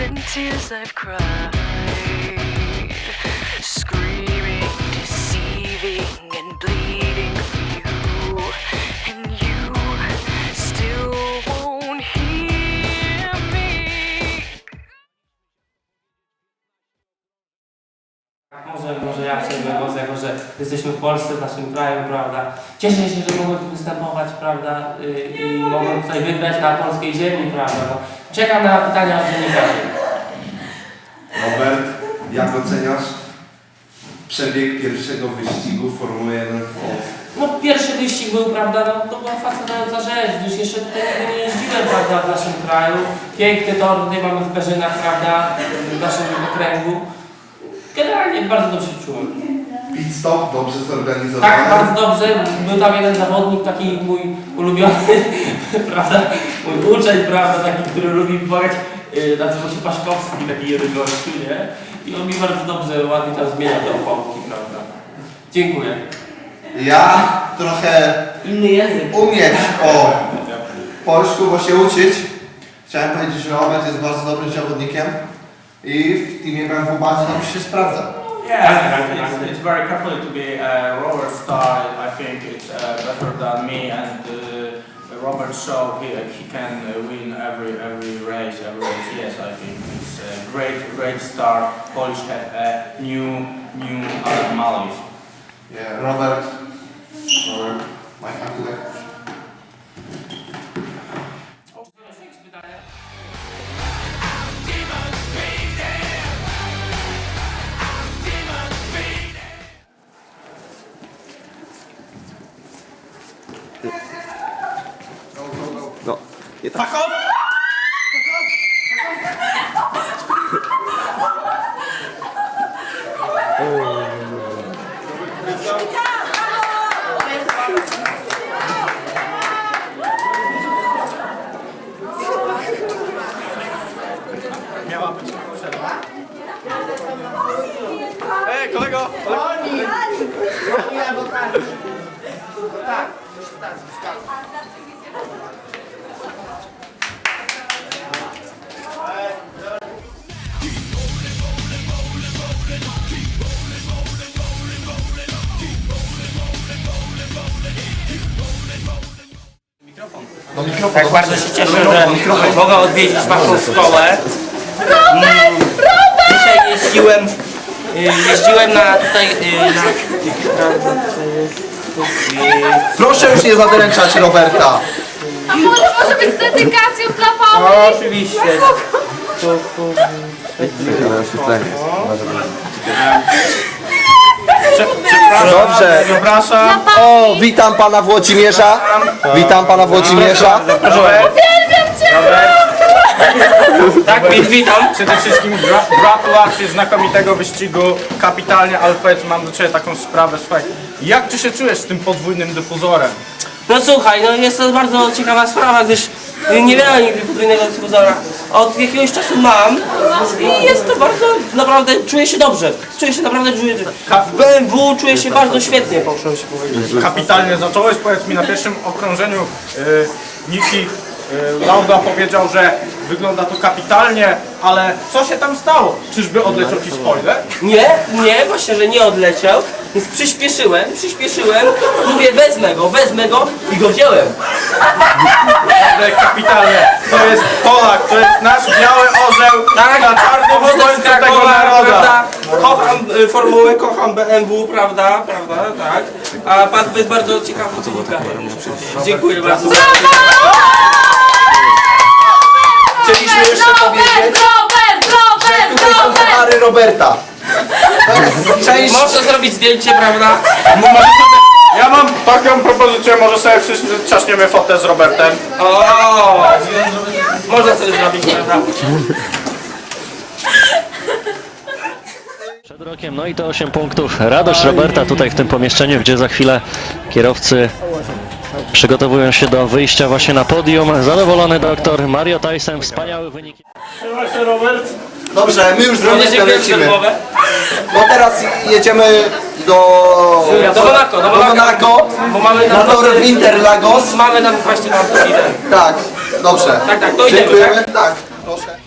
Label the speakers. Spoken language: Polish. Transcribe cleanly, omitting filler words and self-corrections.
Speaker 1: and tears I've cried, screaming, deceiving and bleeding for you, and you still won't hear me.
Speaker 2: Może ja przejmę głos, jako że jesteśmy w Polsce, w naszym kraju, prawda? Cieszę się, że mogłem tu występować, prawda? I mogłem tutaj wygrać na polskiej ziemi, prawda? No, czekam na pytania od dziennikarzy.
Speaker 3: Robert, jak oceniasz przebieg pierwszego wyścigu Formuły 1 w Polsce?
Speaker 2: No pierwszy wyścig był, prawda, no to była fascynująca rzecz, gdyż jeszcze tutaj nigdy nie jeździłem, prawda, w naszym kraju. Piękny tor tutaj mamy w Perzynach, prawda, w naszym okręgu. Generalnie bardzo dobrze się czułem.
Speaker 3: Pit stop dobrze zorganizowany?
Speaker 2: Tak, bardzo dobrze. Był tam jeden zawodnik, taki mój ulubiony, prawda, mój uczeń, prawda, taki, który lubi pomagać, nazywał się Paszkowski, taki jeden gościu, nie? I on mi bardzo dobrze, ładnie tam zmieniał te opałki, prawda. Dziękuję.
Speaker 4: Ja trochę
Speaker 2: Inny język.
Speaker 4: umieć o polsku, bo się uczyć. Chciałem powiedzieć, że Robert jest bardzo dobrym zawodnikiem i w teamie BMW bardzo dobrze się sprawdza.
Speaker 5: Yes, it's very carefully to be a rover star. I think it's better than me, and Robert showed he can win every race. Yes, I think it's a great start. Polish have a new mileage.
Speaker 4: Yeah, Robert, my handler.
Speaker 6: No.
Speaker 5: Fuck off! Miała być przerwa. Ej, kolego!
Speaker 4: No mikrofon.
Speaker 2: Tak bardzo się cieszę, że mogę odwiedzić waszą szkołę. Dzisiaj jeździłem na tutaj
Speaker 4: Proszę już nie zadręczać Roberta.
Speaker 7: A może być z dedykacją dla Pauli?
Speaker 2: No, oczywiście.
Speaker 4: Dobrze.
Speaker 5: Przepraszam.
Speaker 4: O, witam pana Włodzimierza. Witam pana Włodzimierza.
Speaker 7: Uwielbiam cię!
Speaker 2: Tak, więc witam.
Speaker 5: Przede wszystkim gratulacje znakomitego wyścigu, kapitalnie, ale powiedz, mam do Ciebie taką sprawę, słuchaj, jak Ty się czujesz z tym podwójnym dyfuzorem?
Speaker 2: No słuchaj, no jest to bardzo ciekawa sprawa, gdyż nie miałem nigdy podwójnego dyfuzora. Od jakiegoś czasu mam i jest to bardzo, naprawdę, czuję się dobrze. Czuję się naprawdę, w BMW czuję się bardzo świetnie, proszę się powiedzieć.
Speaker 5: Kapitalnie zacząłeś, powiedz mi, na pierwszym okrążeniu Niki Lauda powiedział, że wygląda to kapitalnie, ale co się tam stało? Czyżby odleciał Ci spoiler?
Speaker 2: Nie, właśnie, że nie odleciał, więc przyspieszyłem, mówię wezmę go i go wziąłem.
Speaker 5: Ale kapitalnie, to jest Polak, to jest nasz biały orzeł na czarnym słońcu tego naroda.
Speaker 2: Prawda? Kocham formułę, kocham BMW, prawda, tak. A pan jest bardzo ciekawy dziennikarzem. Dziękuję bardzo.
Speaker 4: Chcieliśmy jeszcze powiedzieć, że tutaj są puchary Roberta. To jest część...
Speaker 2: Można zrobić zdjęcie, prawda?
Speaker 5: Ja mam taką propozycję, może sobie wszyscy trzaśniemy fotę z Robertem.
Speaker 2: O, można sobie zrobić, prawda?
Speaker 6: Przed rokiem, no i to 8 punktów. Radość Roberta tutaj w tym pomieszczeniu, gdzie za chwilę kierowcy przygotowują się do wyjścia właśnie na podium. Zadowolony doktor Mario Tyson, wspaniały wynik.
Speaker 5: Trzymaj się, Robert.
Speaker 4: Dobrze, my już z
Speaker 2: Również
Speaker 4: Robertem
Speaker 2: dziękuję
Speaker 4: lecimy.
Speaker 2: za rozmowę.
Speaker 4: No teraz jedziemy do Monaco,
Speaker 2: Bo mamy
Speaker 4: na tor Interlagos.
Speaker 2: Mamy tam właśnie na chwilę.
Speaker 4: Tak, dobrze.
Speaker 2: Tak, to idziemy,
Speaker 4: dziękujemy. Tak, proszę.